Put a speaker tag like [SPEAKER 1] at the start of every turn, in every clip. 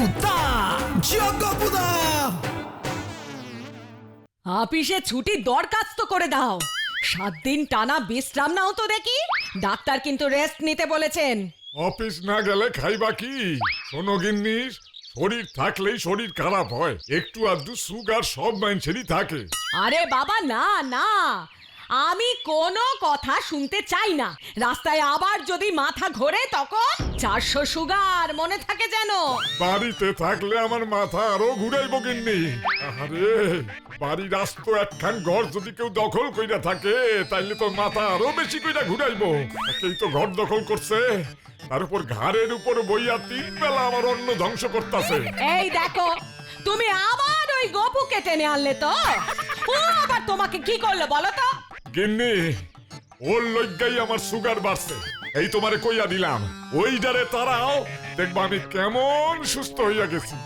[SPEAKER 1] দা জগপুদা।
[SPEAKER 2] অফিসে ছুটির দরখাস্ত করে দাও। 7 দিন টানা বিশ্রাম নাও তো দেখি। ডাক্তার কিন্তু রেস্ট নিতে বলেছেন।
[SPEAKER 3] অফিস না গেলে খাইবা কি? শোনো গিন্নি, শরীর থাকলেই শরীর খারাপ হয়, একটু আধটু সুগার সব মানুষেরই থাকে।
[SPEAKER 2] আরে বাবা না না, আমি কোনো কথা শুনতে চাই না। রাস্তায় আবার যদি মাথা ঘোরে তখন 400 সুগার, মনে থাকে যেন।
[SPEAKER 3] বাড়িতে থাকলে আমার মাথা আরো ঘুরাইবো গিন্নি। আরে বাড়ির আস্ত একখান ঘর যদি কেউ দখল কইরা থাকে তাইলে তো মাথা আরো বেশি কইরা ঘুরাইবো। একেই তো ঘর দখল করছে, তার উপর ঘাড়ের উপর বইয়া 3 বেলা আমার অন্ন ধ্বংস করতেছে।
[SPEAKER 2] এই দেখো, তুমি আবার ওই গপুকে টেনে আনলে তো। ও আবার তোমাকে কি করলো বলো তো?
[SPEAKER 3] গিন্নি, ওর লজ্জাই আমার সুগার বাড়ছে। এই তোমারে কইয়া দিলাম, ওইটারে তারাও দেখবা আমি কেমন সুস্থ হইয়া গেছি।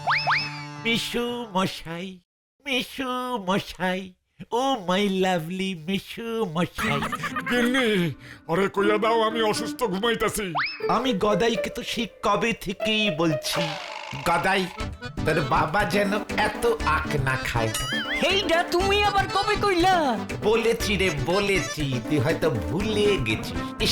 [SPEAKER 4] মিশু মশাই, মিশু মশাই, ও মাই লাভলি মিশু মশাই।
[SPEAKER 3] গিন্নি, ওরে কইয়া দাও আমি অসুস্থ ঘুমাইতাছি।
[SPEAKER 4] আমি গদাইকে তো সেই কবে থেকেই বলছি, গদাই তোর বাবা যেন এত আখ না খায়।
[SPEAKER 1] এইটা তুমি আবার কবে কইলা?
[SPEAKER 4] বলেছি রে বলেছি, তুই হয়তো ভুলে গেছিস। ইস,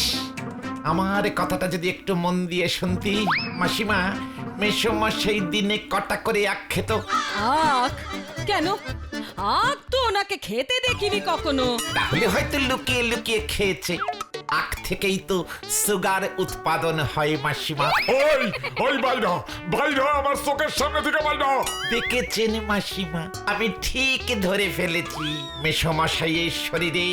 [SPEAKER 4] আমার কথাটা যদি একটু মন দিয়ে শুনতি। মাসিমা, মেসোমশাই দিনে কটা করে আখ খেত?
[SPEAKER 2] আখ? কেন? আখ তো ওনাকে খেতে দেখিনি কখনো।
[SPEAKER 4] তাহলে হয়তো লুকিয়ে লুকিয়ে খেয়েছে। আখ থেকেই তো সুগার উৎপাদন হয় মাসিমা।
[SPEAKER 3] ওই ওই বাইরা বাইরা, আমার চোখের সামনে থেকে বাইরা।
[SPEAKER 4] দেখেছেন মাসিমা, আমি ঠিক ধরে ফেলেছি। মেসোমশাইয়ের শরীরে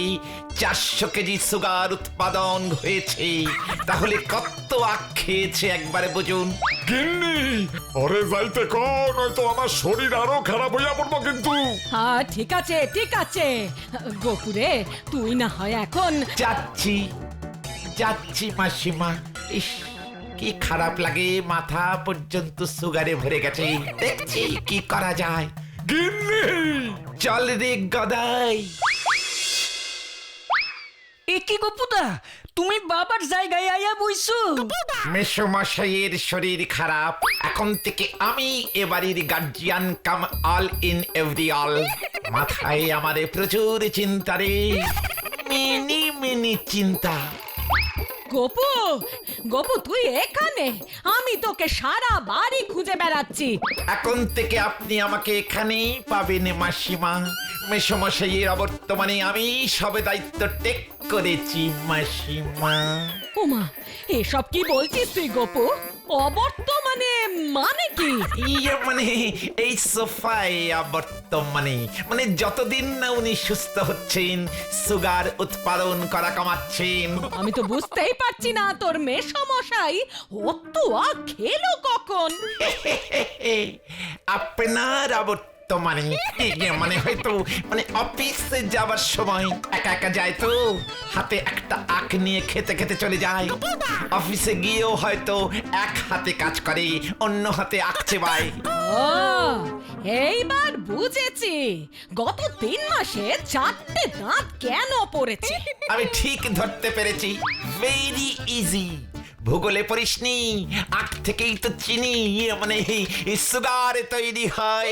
[SPEAKER 4] 400 কেজি সুগার উৎপাদন হয়েছে। তাহলে কত আখ খেয়েছে একবারে বুঝুন।
[SPEAKER 3] গিন্নি, ওরে যাইতে কও, নয়তো আমার শরীর আরো খারাপ হইয়া পড়বো কিন্তু।
[SPEAKER 2] হ্যাঁ ঠিক আছে ঠিক আছে। গোপুরে, তুই না হয় এখন।
[SPEAKER 4] যাচ্ছি যাচ্ছি মাসিমা। ইস, কি খারাপ লাগে, মাথা পর্যন্ত সুগারে ভরে গেছে। দেখছি কি করা যায়।
[SPEAKER 3] গিন্নি,
[SPEAKER 4] চল রে গদাই।
[SPEAKER 1] এ কি গপুদা, তুমি বাবার জায়গায় আয়া বইছো?
[SPEAKER 4] মেসোমশাইয়ের শরীর খারাপ, এখন থেকে আমি এ বাড়ির guardian come all in every all. মাথায় আমারে প্রচুর চিন্তা রে, মিনি মিনি চিন্তা।
[SPEAKER 2] গোপু, গোপু তুই এখানে? আমি তোকে সারা বাড়ি খুঁজে বেড়াচ্ছি।
[SPEAKER 4] এখন থেকে আপনি আমাকে এখানেই পাবেন মাসিমা। মেসোমশাইয়ের অবর্তমানে আমি সবে দায়িত্ব টেক করেছি মাসিমা।
[SPEAKER 2] ওমা, এসব কি বলছিস তুই গোপু? অবর্তমানে মানে কি?
[SPEAKER 4] ইয়ে মানে এই সোফায় বর্তমানে, মানে যতদিন না উনি সুস্থ হচ্ছেন, সুগার উৎপাদন করা কমাচ্ছেন।
[SPEAKER 2] আমি তো বুঝতেই পারছি না তোর মেসমশাই অত আখ খেলো কখন।
[SPEAKER 4] আপনার বর্তমানে মানে হয়তো মানে অফিসে যাবার সময় একা একা যায় তো, হাতে একটা আখ নিয়ে খেতে খেতে চলে যায়। অফিসে গিয়েও হয়তো এক হাতে কাজ করে, অন্য হাতে আখ চেবায়।
[SPEAKER 2] ও, এইবার বুঝেছি গত 3 মাসে 4টে দাঁত কেন পড়েছে।
[SPEAKER 4] আমি ঠিক ধরতে পেরেছি, ভেরি ইজি। ভূগোলে পড়িসনি, আখ থেকেই তো চিনি মানে সুগার তৈরি হয়।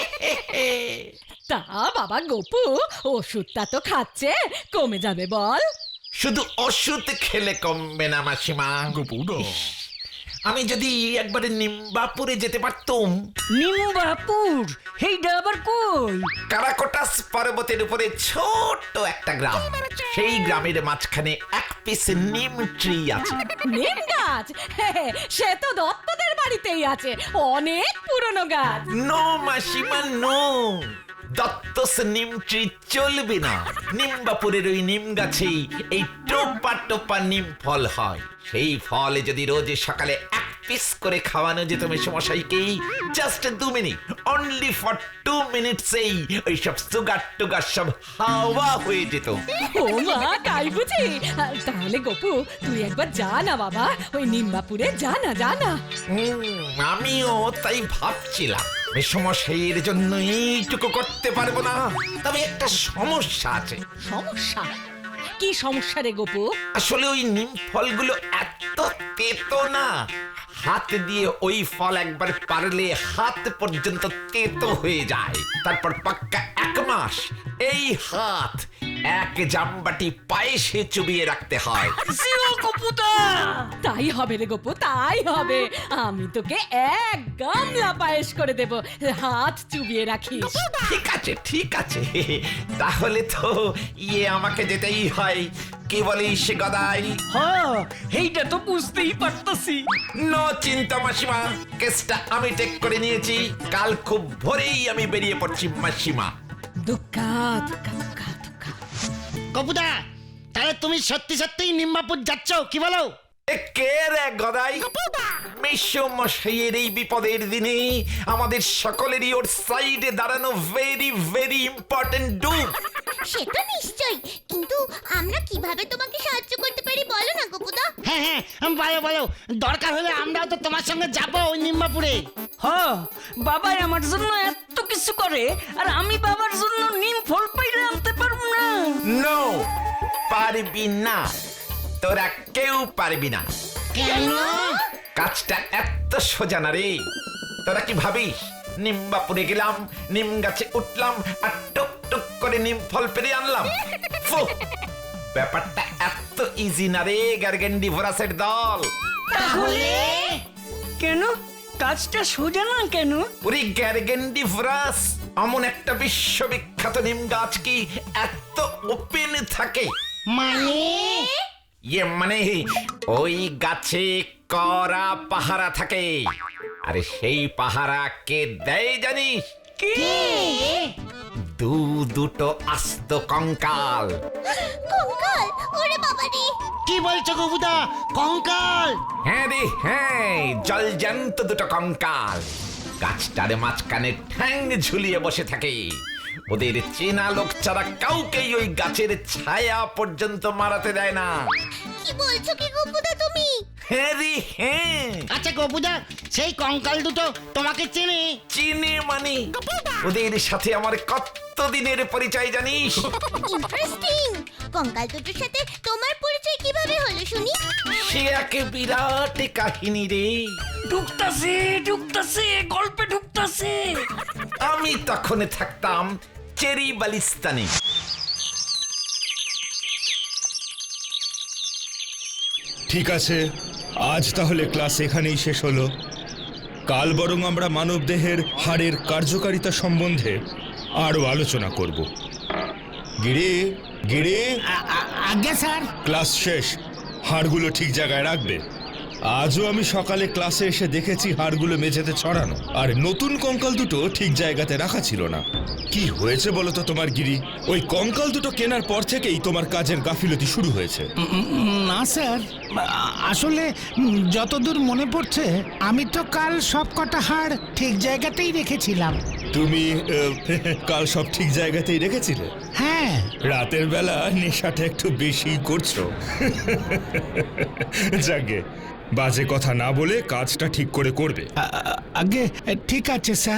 [SPEAKER 2] তা বাবা গোপু, ওষুধটা তো খাচ্ছে, কমে যাবে বল।
[SPEAKER 4] শুধু ওষুধ খেলে কমবে না মাসিমা। ইস, আমি যদি একবারে নিম্বাপুরে যেতে পারতুম।
[SPEAKER 1] নিম্বাপুর? এইটা আবার কই?
[SPEAKER 4] কারাকোটাস পর্বতের উপরে ছোট্ট একটা গ্রাম, সেই গ্রামের মাঝখানে এক পিস নিম ট্রি আছে।
[SPEAKER 2] নিম গাছ? সে তো দত্তদের বাড়িতেই আছে, অনেক পুরনো গাছ।
[SPEAKER 4] নো মাসিমা নো, দত্তস নিম ট্রি চলবে না। নিম্বাপুরের ওই নিম গাছেই এই টোপা টোপা নিম ফল হয়। সেই ফল যদি রোজ সকালে এক পিস করে খাওয়ানো যেত মেসোমশাইকে, জাস্ট 2 মিনিট, অনলি ফর 2 মিনিটসেই ওই সব সুগার টুগার সব হাওয়া হয়ে যেত।
[SPEAKER 2] ও মা, তাই বুঝি? তাহলে গোপু তুই একবার যা না বাবা, ওই নিম্বাপুরে যা না যা না।
[SPEAKER 4] আমিও তাই ভাবছিলাম। মেসোমশাইয়ের জন্য এইটুকু করতে পারবো না, তবে একটা সমস্যা আছে।
[SPEAKER 2] সমস্যা? কি সমস্যা রে গোপু?
[SPEAKER 4] আসলে ওই নিম ফলগুলো এত তেতো না, হাত দিয়ে ওই ফল একবার পারলে হাত পর্যন্ত তেতো হয়ে যায়। তারপর পাক্কা 1 মাস এই হাত এক জামবাটি পায়েসে চুবিয়ে রাখতে হয়।
[SPEAKER 1] জিও কপুদা
[SPEAKER 2] তাই হবে রে গোপু, তাই হবে। আমি তোকে 1 গামলা পায়েস করে দেব, হাত চুবিয়ে রাখিস।
[SPEAKER 4] ঠিক আছে ঠিক আছে, তাহলে তো আমাকে যেতেই হয়। কি বলিস গদাই?
[SPEAKER 1] হ্যাঁ এইটা তো বুঝতেই পারতাছি।
[SPEAKER 4] নো চিন্তা মাসিমা, কেসটা আমি টেক করে নিয়েছি। কাল খুব ভোরেই আমি বেরিয়ে পড়ছি মাসিমা।
[SPEAKER 2] দুক্কা দুক্কা দুক্কা দুক্কা।
[SPEAKER 5] কপুদা, তাহলে তুমি সত্যি সত্যিই নিম্বাপুর যাচ্ছ, কি বলো?
[SPEAKER 4] এ কে রে গদাই? মশাইয়ের এই বিপদের দিনে আমাদের সকলেরই ওর সাইডে দাঁড়ানো ভেরি ভেরি ইম্পর্টেন্ট ডুব।
[SPEAKER 6] সেটা নিশ্চয়ই, কিন্তু আমরা কিভাবে তোমাকে সাহায্য করতে পারি বলো না গোপুদা।
[SPEAKER 5] হ্যাঁ হ্যাঁ, বলো বলো, দরকার হলে আমরাও তো তোমার সঙ্গে যাবো ওই নিম্বাপুরে।
[SPEAKER 1] হ্যাঁ বাবাই আমার জন্য এত কিছু করে, আর আমি বাবার জন্য নিম ফল পাইরে আনতে পারবো না।
[SPEAKER 4] নো, পারবি না, তোরা কেউ পারবি না।
[SPEAKER 5] কেন?
[SPEAKER 4] কাজটা এত সোজা না রে। তোরা কি ভাবিস নিম্বাপুরে গেলাম, নিম গাছে উঠলাম আর টুক টুক করে নিম ফল পেরে আনলাম? ফু, ব্যাপারটা এত ইজি না রে গার্গেন্ডিভোরাসের দল।
[SPEAKER 1] তাহলে কেন কাজটা সোজা না কেন?
[SPEAKER 4] ওরে গার্গেন্ডিভোরাস, এমন একটা বিশ্ববিখ্যাত নিম গাছ কি এত ওপেন থাকে?
[SPEAKER 5] মানে?
[SPEAKER 4] মানে ওই গাছে কড়া পাহারা থাকে। আরে সেই পাহারা কে দেয় জানিস? দুটো আস্ত কঙ্কাল।
[SPEAKER 6] কঙ্কাল, ওরে বাবা রে।
[SPEAKER 5] কি বলছো কপুদা, কঙ্কাল?
[SPEAKER 4] হ্যাঁ রে হ্যাঁ, জলজ্যান্ত দুটো কঙ্কাল গাছটার মাঝখানে ঠ্যাং ঝুলিয়ে বসে থাকে। ওদের চেনা লোক ছাড়া কাউকেই ওই গাছের ছায়া পর্যন্ত মারাতে দেয় না।
[SPEAKER 6] কি বলছো কি গোপুদা তুমি?
[SPEAKER 4] হ্যাঁ রে হ্যাঁ।
[SPEAKER 5] আচ্ছা কপুদা, সেই কঙ্কাল দুটো তোমাকে চেনে?
[SPEAKER 4] চিনে মানে ওদের সাথে আমার কত দিনের পরিচয় জানিস?
[SPEAKER 6] ইন্টারেস্টিং। কঙ্কাল দুটোর সাথে তোমার পরিচয় কিভাবে হলো শুনি?
[SPEAKER 4] সে একে বিরাট কাহিনী রে।
[SPEAKER 1] ঢুকতাছে ঢুকতাছে গল্পে ঢুকতাছে।
[SPEAKER 4] আমি তখন থাকতাম চেরি বালিস্তানে।
[SPEAKER 7] ঠিক আছে, আজ তাহলে ক্লাস এখানেই শেষ হলো। কাল বরং আমরা মানবদেহের হাড়ের কার্যকারিতা সম্বন্ধে আরো আলোচনা করব। গিরে গিরে,
[SPEAKER 5] আজ্ঞা স্যার।
[SPEAKER 7] ক্লাস শেষ, হাড়গুলো ঠিক জায়গায় রাখবে। আজও আমি সকালে ক্লাসে এসে দেখেছি হাড়গুলো মেঝেতে ছড়ানো, আর নতুন কঙ্কাল দুটো ঠিক জায়গাতে রাখা ছিল না। কি হয়েছে বলো তো তোমার গিরি? ওই কঙ্কাল দুটো কেনার পর থেকেই তোমার কাজের গাফিলতি শুরু হয়েছে।
[SPEAKER 8] না স্যার, আসলে যতদূর মনে পড়ছে আমি তো কাল সব কটা হাড় ঠিক জায়গাতেই রেখেছিলাম।
[SPEAKER 7] তুমি কাল সব ঠিক জায়গাতেই রেখেছিলে?
[SPEAKER 8] হ্যাঁ।
[SPEAKER 7] রাতের বেলা নেশাটা একটু বেশি করছো। যাকে বাজে কথা না বলে কাজটা ঠিক করে করবে।
[SPEAKER 8] আগে ঠিক আছে স্যার।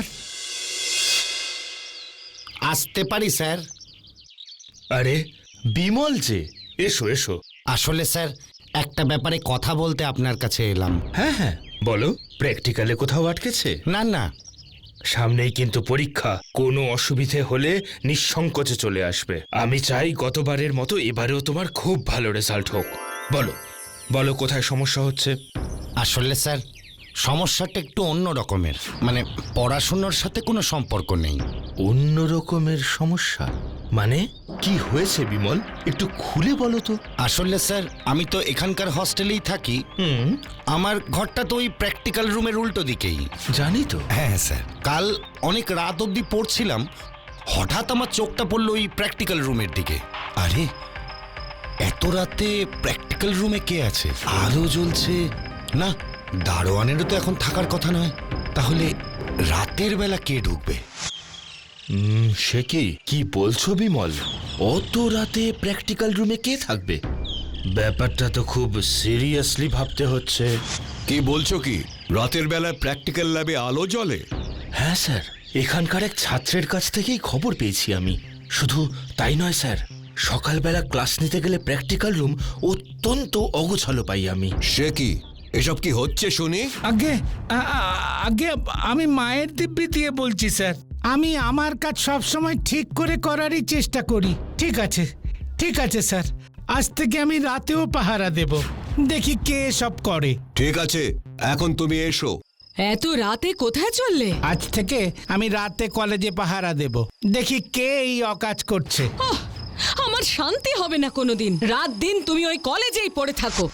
[SPEAKER 5] আসতে পারি স্যার?
[SPEAKER 7] আরে বিমল যে, এসো এসো।
[SPEAKER 5] আসলে স্যার, একটা ব্যাপারে কথা বলতে আপনার কাছে এলাম।
[SPEAKER 7] হ্যাঁ হ্যাঁ বলো, প্র্যাকটিক্যালে কোথাও আটকেছে?
[SPEAKER 5] না না,
[SPEAKER 7] সামনেই কিন্তু পরীক্ষা, কোনো অসুবিধে হলে নিঃসংকোচে চলে আসবে। আমি চাই গতবারের মতো এবারেও তোমার খুব ভালো রেজাল্ট হোক। বলো বলো, কোথায় সমস্যা হচ্ছে?
[SPEAKER 5] আসলে স্যার সমস্যাটা একটু অন্য রকমের, মানে পড়াশোনার সাথে কোনো সম্পর্ক নেই।
[SPEAKER 7] অন্য রকমের সমস্যা মানে কি হয়েছে বিমল, একটু খুলে বলো তো।
[SPEAKER 5] আসলে স্যার আমি তো এখানকার হস্টেলেই থাকি। আমার ঘরটা তো ওই প্র্যাকটিক্যাল রুমের উল্টো দিকেই।
[SPEAKER 7] জানি তো।
[SPEAKER 5] হ্যাঁ স্যার, কাল অনেক রাত অবধি পড়ছিলাম, হঠাৎ আমার চোখটা পড়লো ওই প্র্যাকটিক্যাল রুমের দিকে। আরে এত রাতে প্র্যাকটিক্যাল রুমে কে আছে? আলো জ্বলছে না, দারোয়ানেরও তো এখন থাকার কথা নয়। তাহলে রাতের বেলা কে ঢুকবে?
[SPEAKER 7] সে কি বলছো বিমল? অত রাতে প্র্যাকটিক্যাল রুমে কে থাকবে? ব্যাপারটা তো খুব সিরিয়াসলি ভাবতে হচ্ছে।
[SPEAKER 9] কি বলছো কি? রাতের বেলায় প্র্যাকটিক্যাল ল্যাবে আলো জ্বলে?
[SPEAKER 7] হ্যাঁ স্যার, এখানকার এক ছাত্রের কাছ থেকেই খবর পেয়েছি আমি। শুধু তাই নয় স্যার, সকালবেলা ক্লাস নিতে গেলে প্র্যাকটিক্যাল রুম অত্যন্ত অগোছালো পাই আমি।
[SPEAKER 9] সে কি? এসব কি হচ্ছে শুনি?
[SPEAKER 8] আগে আগে আমি মায়ের দিব্যি দিয়ে বলছি স্যার। আমি আমার কাজ সবসময় ঠিক করে করারই চেষ্টা করি। ঠিক আছে, ঠিক আছে স্যার, আজ থেকে আমি রাতেও পাহারা দেব, দেখি কে সব করে।
[SPEAKER 9] ঠিক আছে, এখন তুমি এসো।
[SPEAKER 2] এত রাতে কোথায় চললে?
[SPEAKER 8] আজ থেকে আমি রাতে কলেজে পাহারা দেব, দেখি কে এই অকাজ করছে।
[SPEAKER 2] ওহ, আমার শান্তি হবে না কোনোদিন। রাত দিন তুমি ওই কলেজেই পড়ে থাকো।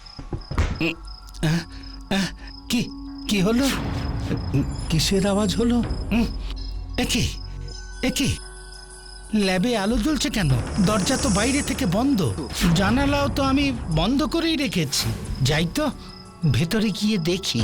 [SPEAKER 8] কি কি হলো? কিসের আওয়াজ হলো? একই একই ল্যাবে আলো জ্বলছে কেন? দরজা তো বাইরে থেকে বন্ধ, জানালাও তো আমি বন্ধ করেই রেখেছি। যাই তো ভেতরে গিয়ে দেখি।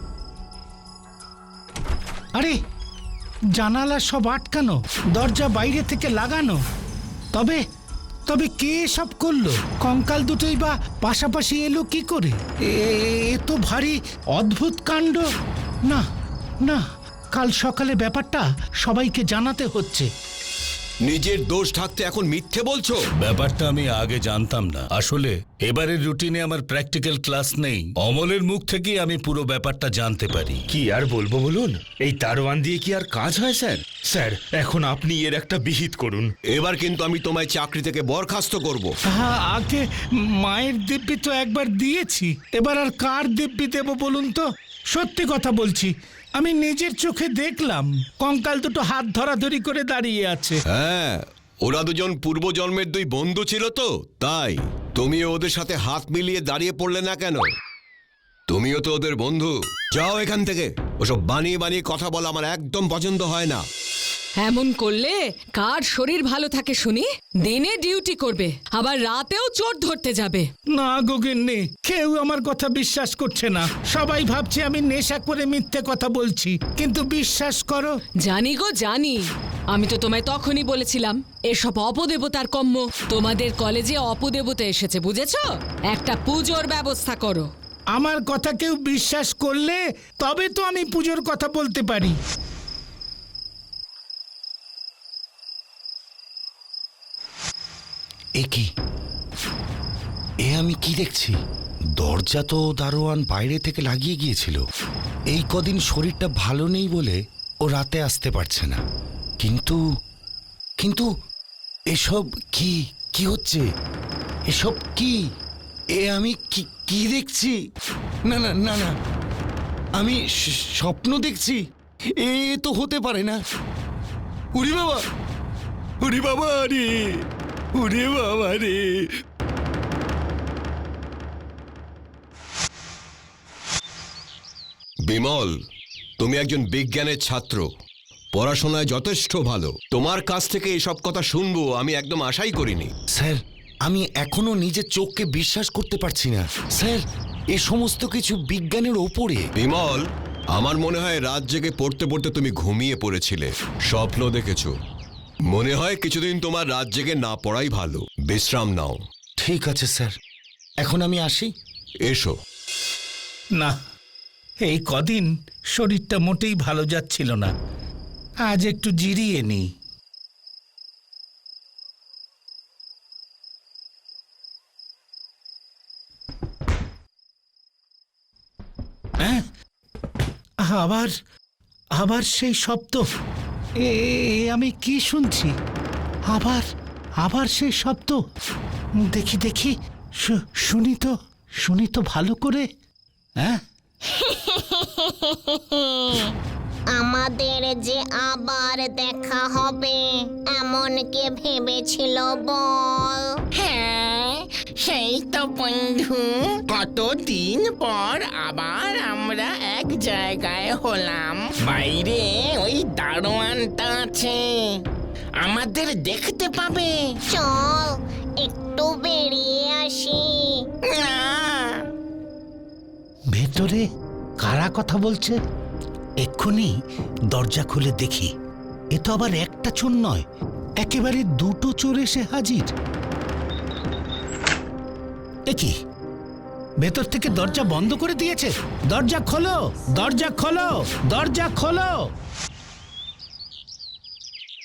[SPEAKER 8] আরে জানালা সব আটকানো, দরজা বাইরে থেকে লাগানো। তবে তবে কে সব করলো? কঙ্কাল দুটোই বা পাশাপাশি এলো কি করে? এ তো ভারী অদ্ভুত কাণ্ড। না না, কাল সকালে ব্যাপারটা সবাইকে জানাতে হচ্ছে।
[SPEAKER 9] নিজের দোষ ঢাকতে এখন মিথ্যে বলছো?
[SPEAKER 7] ব্যাপারটা আমি আগে জানতাম না। আসলে এবারের রুটিনে আমার প্র্যাকটিক্যাল ক্লাস নেই। অমলের মুখ থেকেই আমি পুরো ব্যাপারটা জানতে পারি।
[SPEAKER 10] কি আর বলবো বলুন, এই দারোয়ান দিয়ে কি আর কাজ হয় স্যার? স্যার এখন আপনি এর একটা বিহিত করুন।
[SPEAKER 9] এবার কিন্তু আমি তোমায় চাকরি থেকে বরখাস্ত করব।
[SPEAKER 8] আগে মায়ের দিব্যি তো একবার দিয়েছি, এবার আর কার দিব্যি দেব বলুন তো? সত্যি কথা বলছি, আমি নিজের চোখে দেখলাম কঙ্কাল দুটো হাত ধরাধরি করে দাঁড়িয়ে আছে।
[SPEAKER 9] হ্যাঁ, ওরা দুজন পূর্বজন্মের দুই বন্ধু ছিল তো, তাই তুমিও ওদের সাথে হাত মিলিয়ে দাঁড়িয়ে পড়লে না কেন? তুমিও তো ওদের বন্ধু। যাও এখান থেকে। ওসব বানিয়ে বানিয়ে কথা বলা আমার একদম পছন্দ হয় না।
[SPEAKER 2] এমন করলে কার শরীর ভালো থাকে শুনি? দিনে ডিউটি করবে, আবার রাতেও চোর ধরতে যাবে।
[SPEAKER 8] না গোগিন্নি, কেউ আমার কথা বিশ্বাস করছে না। সবাই ভাবছে আমি নেশা করে মিথ্যে কথা বলছি, কিন্তু বিশ্বাস করো।
[SPEAKER 2] জানি গো জানি, আমি তো তোমায় তখনই বলেছিলাম এসব অপদেবতার কম্ম। তোমাদের কলেজে অপদেবতা এসেছে, বুঝেছো? একটা পুজোর ব্যবস্থা করো।
[SPEAKER 8] আমার কথা কেউ বিশ্বাস করলে তবে তো আমি পুজোর কথা বলতে পারি।
[SPEAKER 5] এ কি? এ আমি কি দেখছি? দরজা তো দারোয়ান বাইরে থেকে লাগিয়ে গিয়েছিল। এই কদিন শরীরটা ভালো নেই বলে ও রাতে আসতে পারছে না। কিন্তু কিন্তু এসব কি কি হচ্ছে? এসব কি? এ আমি কি কি দেখছি? না না না না, আমি স্বপ্ন দেখছি। এ তো হতে পারে না। উরি বাবা, উরি বাবা রে, উরি বাবা রে।
[SPEAKER 9] বিমল, তুমি একজন বিজ্ঞানের ছাত্র, পড়াশোনায় যথেষ্ট ভালো। তোমার কাছ থেকে এসব কথা শুনবো আমি একদম আশাই করিনি।
[SPEAKER 5] স্যার, আমি এখনো নিজের চোখকে বিশ্বাস করতে পারছি না। স্যার, এ সমস্ত কিছু বিজ্ঞানের ওপরে।
[SPEAKER 9] বিমল, আমার মনে হয় রাত জেগে পড়তে পড়তে তুমি ঘুমিয়ে পড়েছিলে, স্বপ্ন দেখেছো। মনে হয় কিছুদিন তোমার রাত জেগে না পড়াই ভালো। বিশ্রাম নাও।
[SPEAKER 5] ঠিক আছে স্যার, এখন আমি আসি।
[SPEAKER 9] এসো।
[SPEAKER 8] না, এই কদিন শরীরটা মোটেই ভালো যাচ্ছিল না। আজ একটু জিরিয়ে নিই। হ্যাঁ, আবার আবার সেই শব্দ। এ আমি কি শুনছি? আবার আবার সেই শব্দ। দেখি দেখি, শুনি তো ভালো করে। হ্যাঁ,
[SPEAKER 6] আমাদের যে আবার দেখা হবে এমন কে ভেবেছিল বল?
[SPEAKER 11] হ্যাঁ, সেই তো বন্ধু, কতদিন পর আবার আমরা এক জায়গায় হলাম। বাইরে ওই দারোয়ানটা আছে, আমাদের দেখতে পাবে।
[SPEAKER 6] চল একটু বেরিয়ে আসি।
[SPEAKER 11] না,
[SPEAKER 8] ভেতরে কারা কথা বলছে? এক্ষুনি দরজা খুলে দেখি। এ তো আবার একটা চোর নয়, একেবারে দুটো চোর এসে হাজির। এ কি? ভেতর থেকে দরজা বন্ধ করে দিয়েছে। দরজা খোলো, দরজা খোলো, দরজা খোলো।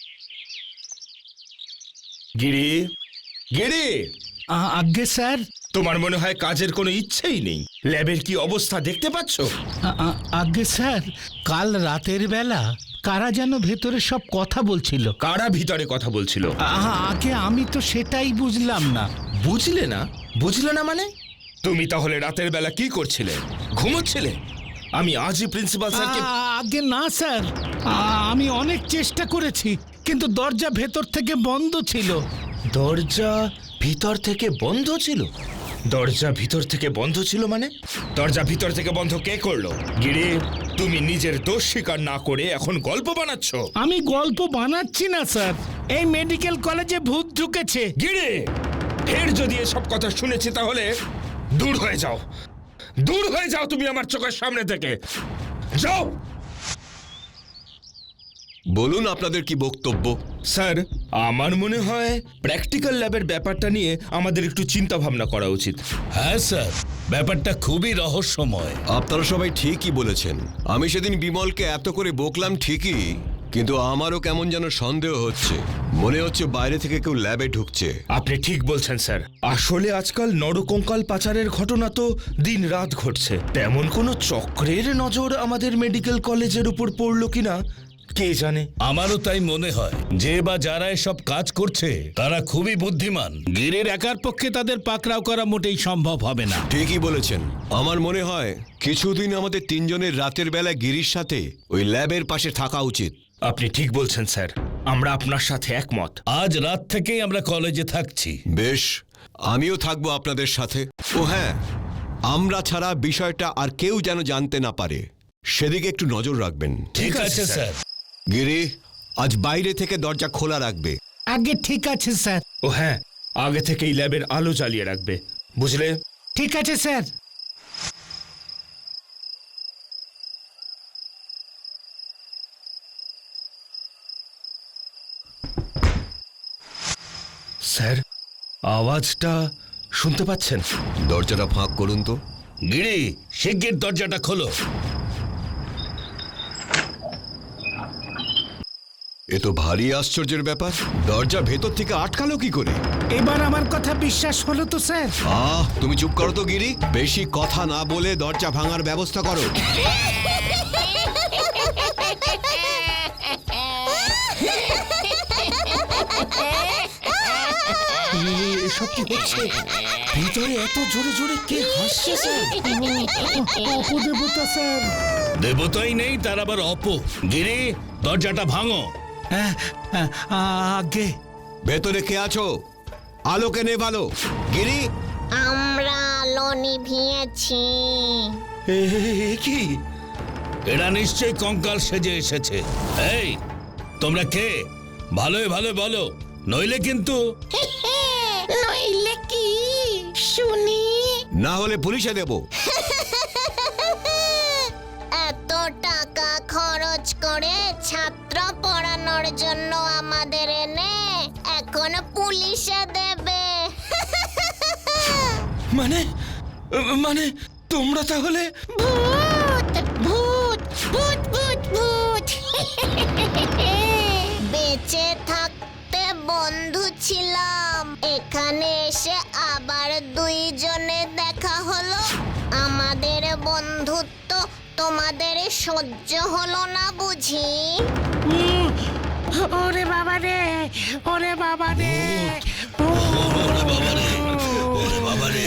[SPEAKER 10] গিরি, গিরি,
[SPEAKER 8] আজ্ঞে স্যার।
[SPEAKER 7] তোমার মনে হয় কাজের কোনো ইচ্ছেই নেই? ল্যাবের কি অবস্থা দেখতে পাচ্ছ?
[SPEAKER 8] আগে স্যার, কাল রাতের বেলা কারা যেন ভেতরে সব কথা বলছিল।
[SPEAKER 7] কারা ভিতরে কথা বলছিল?
[SPEAKER 8] আগে আমি তো সেটাই বুঝলাম না।
[SPEAKER 7] বুঝলে না? বুঝলে না মানে? তুমি তাহলে রাতের বেলা কি করছিলে? ঘুমোচ্ছিলে? আমি আজই প্রিন্সিপাল স্যারকে...
[SPEAKER 8] আগে না স্যার, আমি অনেক চেষ্টা করেছি, কিন্তু দরজা ভেতর থেকে বন্ধ ছিল।
[SPEAKER 7] দরজা ভিতর থেকে বন্ধ ছিল? দরজা ভিতর থেকে বন্ধ ছিল মানে? দরজা ভিতর থেকে বন্ধ কে করলো? গিরে, তুমি নিজের দোষ স্বীকার না করে এখন গল্প বানাচ্ছ।
[SPEAKER 8] আমি গল্প বানাচ্ছি না স্যার, এই মেডিকেল কলেজে ভূত ঢুকেছে।
[SPEAKER 7] গিরে, ফের যদি এসব কথা শুনেছি তাহলে দূর হয়ে যাও, দূর হয়ে যাও তুমি আমার চোখের সামনে থেকে, যাও।
[SPEAKER 9] বলুন আপনাদের কি বক্তব্য?
[SPEAKER 7] স্যার, আমার মনে হয় প্র্যাকটিক্যাল ল্যাবের ব্যাপারটা নিয়ে আমাদের একটু চিন্তা ভাবনা করা উচিত।
[SPEAKER 5] হ্যাঁ স্যার, ব্যাপারটা খুবই রহস্যময়।
[SPEAKER 9] আপনারা সবাই ঠিকই বলেছেন। আমি সেদিন বিমলকে এত করে বকলাম ঠিকই, কিন্তু আমারও কেমন যেন সন্দেহ হচ্ছে। মনে হচ্ছে বাইরে থেকে কেউ ল্যাবে ঢুকছে।
[SPEAKER 7] আপনি ঠিক বলছেন স্যার। আসলে আজকাল নরকঙ্কাল পাচারের ঘটনা তো দিন রাত ঘটছে। তেমন কোনো চক্রের নজর আমাদের মেডিকেল কলেজের উপর পড়লো কিনা কে জানে।
[SPEAKER 5] আমারও তাই মনে হয়। যে বা যারা এসব কাজ করছে তারা খুবই বুদ্ধিমান। গিরের একার পক্ষে তাদের পাকড়াও করা মোটেই সম্ভব হবে না।
[SPEAKER 9] ঠিকই বলেছেন। আমার মনে হয় কিছুদিন আমাদের তিনজনের রাতের বেলা গিরির সাথে ওই ল্যাবের পাশে থাকা উচিত।
[SPEAKER 7] আপনি ঠিক বলছেন স্যার, আমরা আপনার সাথে একমত।
[SPEAKER 5] আজ রাত থেকেই আমরা কলেজে থাকছি।
[SPEAKER 9] বেশ, আমিও থাকবো আপনাদের সাথে। ও হ্যাঁ, আমরা ছাড়া বিষয়টা আর কেউ যেন জানতে না পারে, সেদিকে একটু নজর রাখবেন।
[SPEAKER 5] ঠিক আছে স্যার।
[SPEAKER 9] গিরি, আজ বাইরে থেকে দরজা খোলা রাখবে।
[SPEAKER 8] আগে ঠিক আছে স্যার।
[SPEAKER 7] ও হ্যাঁ, আগে থেকেই ল্যাবের আলো জ্বালিয়ে রাখবে, বুঝলে?
[SPEAKER 8] ঠিক আছে স্যার।
[SPEAKER 7] স্যার, আওয়াজটা শুনতে পাচ্ছেন?
[SPEAKER 9] দরজাটা ফাঁক করুন তো।
[SPEAKER 5] গিরি, শিগগির দরজাটা খোলো।
[SPEAKER 9] এ তো ভারী আশ্চর্যের ব্যাপার। দরজা ভেতর থেকে আটকালো কি করে?
[SPEAKER 8] এবার আমার কথা বিশ্বাস হলো তো স্যার?
[SPEAKER 9] তুমি চুপ করো তো গিরি। বেশি কথা না বলে দরজা ভাঙার ব্যবস্থা করো।
[SPEAKER 7] এসব কি হচ্ছে? ভিতরে এত জোরে জোরে কে হাসছে স্যার?
[SPEAKER 8] অপদেবতা স্যার।
[SPEAKER 5] দেবতাই নেই, তার আবার গিরি, দরজাটা ভাঙো।
[SPEAKER 8] আগে
[SPEAKER 9] ভেতরে কে আছো? আলোকে নেভালো। গিরি,
[SPEAKER 6] আমরা আলো নিভিয়েছি।
[SPEAKER 7] কি?
[SPEAKER 5] এরা নিশ্চয়ই কঙ্কাল সেজে এসেছে। এই, তোমরা কে? ভালোই ভালো বলো, নইলে কিন্তু...
[SPEAKER 6] নইলে কি শুনি?
[SPEAKER 9] না হলে পুলিশে দেব।
[SPEAKER 6] এত টাকা খরচ করে ছাত্র পড়ানোর জন্য আমাদের এনে এখন পুলিশে দেবে।
[SPEAKER 7] মানে মানে তোমরা তাহলে...
[SPEAKER 6] ভূত ভূত ভূত ভূত ভূত। বেঁচে থাকতে বন্ধু ছিলাম, এখানে এসে আবার দুইজনে দেখা হলো। আমাদের বন্ধুত্ব তোমাদের সহ্য হলো না বুঝি?
[SPEAKER 8] ওরে বাবা রে, ওরে বাবা রে,
[SPEAKER 5] ওরে বাবা রে, ওরে বাবা রে।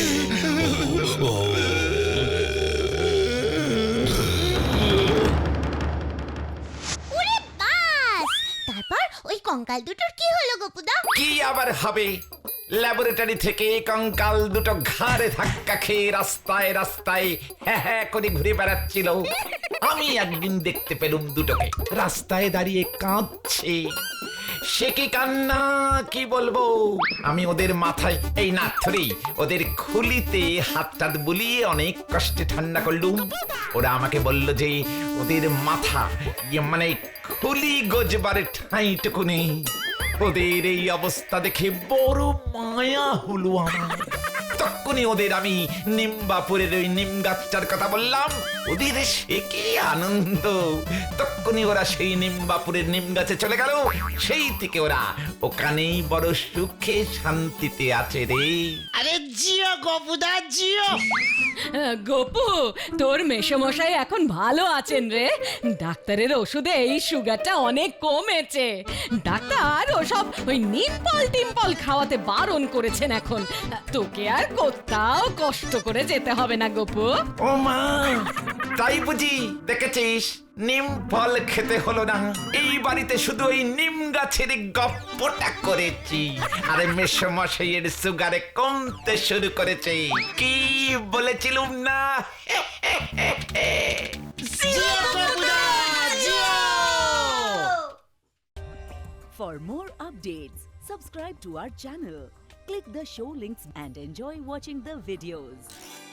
[SPEAKER 6] ওরে বাস! তারপর ওই কঙ্কাল দুটোর কি হলো গোপুদা?
[SPEAKER 4] কি আবার হবে? ল্যাবরেটরি থেকে কঙ্কাল দুটো ঘাড়ে ধাক্কা খেয়ে রাস্তায় রাস্তায় হ্যাঁ হ্যাঁ করে ঘুরে বেড়াচ্ছিল। আমি একদিন দেখতে পেলুম দুটোকে রাস্তায় দাঁড়িয়ে কাঁদছে। সে কি কান্না, কি বলবো। আমি ওদের মাথায় এই না ধরেই ওদের খুলিতে হাত বুলিয়ে অনেক কষ্টে ঠান্ডা করলুম। ওরা আমাকে বলল যে ওদের মাথা মানে খুলি গজবার ঠাঁইটুকু নেই। ওদের এই অবস্থা দেখে বড় মায়া হলো আমার। তখনই ওদের আমি নিম্বাপুরের ওই নিম গাছটার কথা বললাম, ওদের সে কি আনন্দ। তখনই ওরা সেই নিম্বাপুরের নিম গাছে চলে গেল। সেই থেকে ওরা ওখানেই বড় সুখে শান্তিতে আছে রে।
[SPEAKER 11] আরে জিও গপুদা জিও।
[SPEAKER 2] গোপু, তোর মেসোমশাই এখন ভালো আছেন রে। ডাক্তারের ওষুধে এই সুগারটা অনেক কমেছে। ডাক্তার ওসব ওই নিম্পল টিম্পল খাওয়াতে বারণ করেছেন এখন। তোকে আর কোথাও কষ্ট করে যেতে হবে না গোপু।
[SPEAKER 4] ও মা, তাই বুঝি? দেখেছিস, নিম ফল খেতে হলো না, এই বাড়িতে শুধু ওই নিম গাছের গপ্পটা করেছি। আরে মেসমশাইয়ের সুগারে কমতে শুরু করেছে। কি বলেছিলুম না?
[SPEAKER 12] For more updates, subscribe to our channel, click the show links and enjoy watching the videos.